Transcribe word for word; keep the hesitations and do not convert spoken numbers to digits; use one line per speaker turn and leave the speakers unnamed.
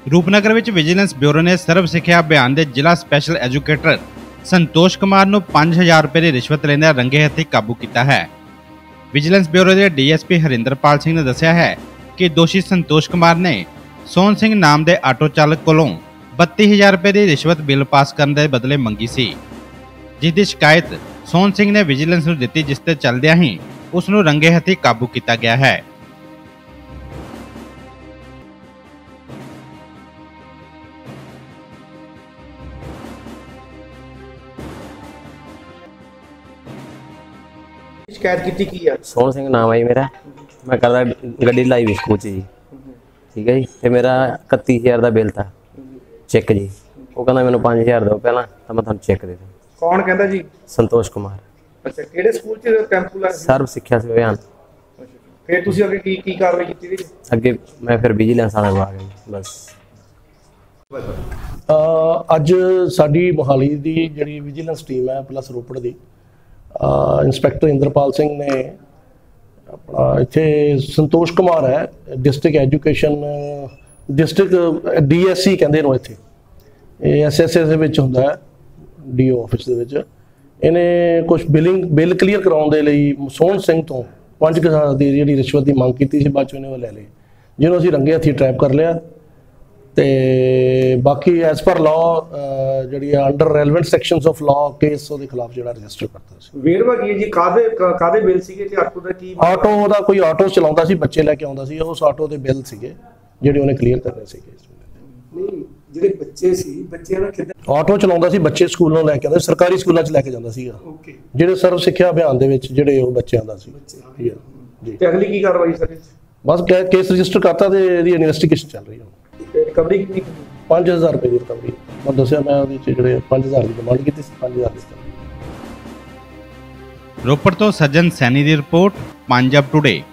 रूपनगर विच vigilance bureau ने सर्व सिक्ख्या अभियान के जिला स्पैशल एजुकेटर संतोष कुमार नूं पांच हज़ार रुपए की रिश्वत लैंदे रंगे हत्थी काबू किया है। विजिलेंस ब्यूरो के D S P Harinderpal Singh ने दस्सिया है कि दोषी संतोष कुमार ने सोहन सिंह नाम के आटो चालक कोलों बत्ती हज़ार रुपए की रिश्वत बिल पास करने के बदले मंगी सी, जिसकी शिकायत सोहन सिंह ने विजिलेंस नूं दित्ती, जिस ते चलदियां ही उस नूं रंगे हत्थी काबू किया गया है।
शिकायत की की है?
सोहन सिंह नाम है जी मेरा। मैं करदा गड्डी लाई भी स्कूल जी, ठीक है जी। ते मेरा इकत्ती हज़ार का बिल था चेक जी। वो कहना मैंने पाँच हज़ार दो पहला तो मैं तुहानूं चेक दे दूँ।
कौन कहता जी?
संतोष कुमार।
अच्छा, किहड़े स्कूल च कैंप ला?
सर्व सिक्ख्या अभियान।
फिर तुसीं अगे की की कार्रवाई कीती जी?
अगे मैं फिर विजिलेंस वाले को आ गई बस।
ਅੱਜ ਸਾਡੀ ਮੋਹਾਲੀ ਦੀ ਜਿਹੜੀ ਵਿਜੀਲੈਂਸ ਟੀਮ ਹੈ ਪਲੱਸ ਰੋਪੜ ਦੀ इंस्पैक्टर इंद्रपाल सिंह ने अपना इत्थे संतोष कुमार है district education district D S C कहते हैं इत्थे एस एस एस होंदा है डी ओ ऑफिस दे विच। इन्हें कुछ बिलिंग बिल क्लीयर कराउण दे लई सोहन सिंह तो पांच हज़ार की जिहड़ी रिश्वत की मांग की सी, बाद चों इन्हें लै लई, जिन्होंने असीं रंगे हत्थी ट्रैप कर लिया। ते बाकी एज पर लॉ जी under relevant sections of law case ਉਹਦੇ ਖਿਲਾਫ ਜਿਹੜਾ ਰਜਿਸਟਰ ਕਰਤਾ ਸੀ।
ਵੇਰਵਾ ਕੀ ਜੀ? ਕਾਦੇ ਕਾਦੇ ਬਿੱਲ ਸੀਗੇ ਤੇ ਆਟੋ ਦਾ ਕੀ?
ਆਟੋ ਦਾ ਕੋਈ ਆਟੋ ਚਲਾਉਂਦਾ ਸੀ, ਬੱਚੇ ਲੈ ਕੇ ਆਉਂਦਾ ਸੀ, ਉਸ ਆਟੋ ਦੇ ਬਿੱਲ ਸੀਗੇ ਜਿਹੜੇ ਉਹਨੇ ਕਲੀਅਰ ਕਰਨੇ ਸੀਗੇ।
ਨਹੀਂ, ਜਿਹੜੇ ਬੱਚੇ ਸੀ ਬੱਚਿਆਂ ਦਾ ਕਿੱਦਾਂ?
ਆਟੋ ਚਲਾਉਂਦਾ ਸੀ, ਬੱਚੇ ਸਕੂਲੋਂ ਲੈ ਕੇ ਆਉਂਦਾ, ਸਰਕਾਰੀ ਸਕੂਲਾਂ 'ਚ ਲੈ ਕੇ ਜਾਂਦਾ ਸੀਗਾ।
ਓਕੇ, ਜਿਹੜੇ
ਸਰਵ ਸਿੱਖਿਆ ਅਭਿਆਨ ਦੇ ਵਿੱਚ ਜਿਹੜੇ ਉਹ ਬੱਚਿਆਂ ਦਾ ਸੀ
ਜੀ। ਤੇ ਅਗਲੀ ਕੀ ਕਾਰਵਾਈ ਸਰ? ਬਸ
ਕੇਸ ਰਜਿਸਟਰ ਕਰਤਾ ਤੇ ਇਹਦੀ ਇਨਵੈਸਟੀਗੇਸ਼ਨ ਚੱਲ ਰਹੀ ਹੈ।
रिकवरी कितनी?
पाँच हज़ार रुपए की रिकवरी। मैं दसिया मैं जो पाँच हज़ार की डिमांड की थी, पाँच हज़ार की।
रोपड़ तो सज्जन सैनी की रिपोर्ट, पंजाब टुडे।